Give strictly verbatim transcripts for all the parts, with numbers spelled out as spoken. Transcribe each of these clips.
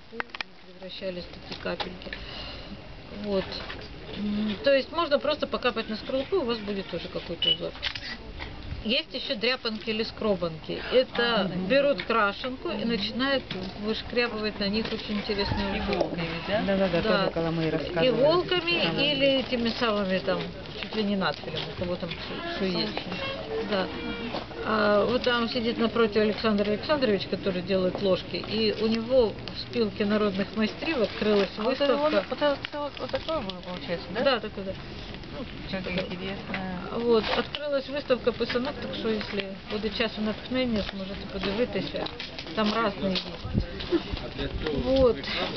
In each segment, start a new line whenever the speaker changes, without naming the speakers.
цветы, превращались в такие капельки. Вот. То есть можно просто покапать на скорлупу, и у вас будет тоже какой-то узор. Есть еще дряпанки или скробанки. Это берут крашенку и начинают вышкрябывать на них очень интересные узоры.
Иголками, да?
Да-да-да,
Да.
тоже Коломей рассказывали.
Иголками или этими самыми там, чуть ли не надфилем, у кого там что есть. Да. А вот там сидит напротив Александр Александрович, который делает ложки, и у него в спилке народных мастеров открылась
А
выставка.
Вот, это, вот, это, вот, вот такое было, получается, да?
Да, такой, да. Ну,
Как
такое.
интересно.
Вот, открилась виставка писанок, так що, якщо буде часу натхнення, зможете подивитися. Там різні є. Вот.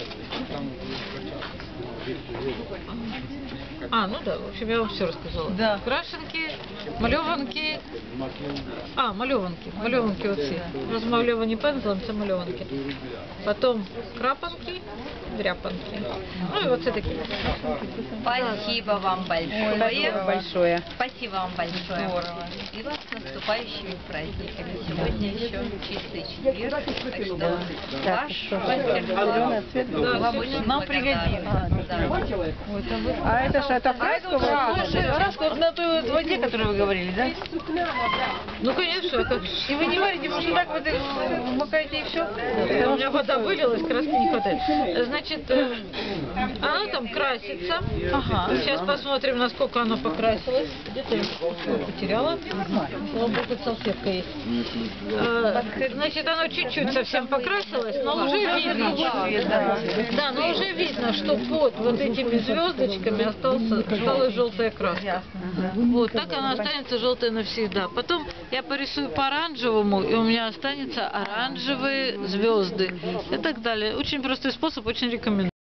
А, ну да, в общем, я вам все рассказала.
Да.
Крашенки, мальованки. А, мальованки. Мальованки оці. Розмальовані пензлем, це мальованки. Потім крапанки, дряпанки. Ну і оце такі.
Спасибо вам большое.
Спасибо большое.
Спасибо вам большое.
Здорово.
И вас с наступающими праздниками. Сегодня еще чистый четверг. Так что
Так,
ваш
что,
мастер
зеленый цвет был?
вам очень
Нам
благодарна.
пригодится.
Да.
А это что, это краску?
Краску вот на той вот воде, которую вы говорили, да?
Ну, конечно, а как же.
И вы не варите, просто так вот их макаете и все?
У меня вода вылилась, краски не хватает. Значит, э, оно там красится.
Ага.
Сейчас посмотрим, насколько оно покрасилось. Где-то я потеряла. Слава богу, тут салфетка есть. Э, Значит, оно чуть-чуть совсем покрасилось, но уже видно. Да, но уже видно, что под вот этими звездочками остался, осталась желтая краска. Вот, так она останется желтая навсегда. Потом я порисую по оранжевому, и у меня останется оранжевые звезды и так далее. Очень простой способ, очень рекомендую.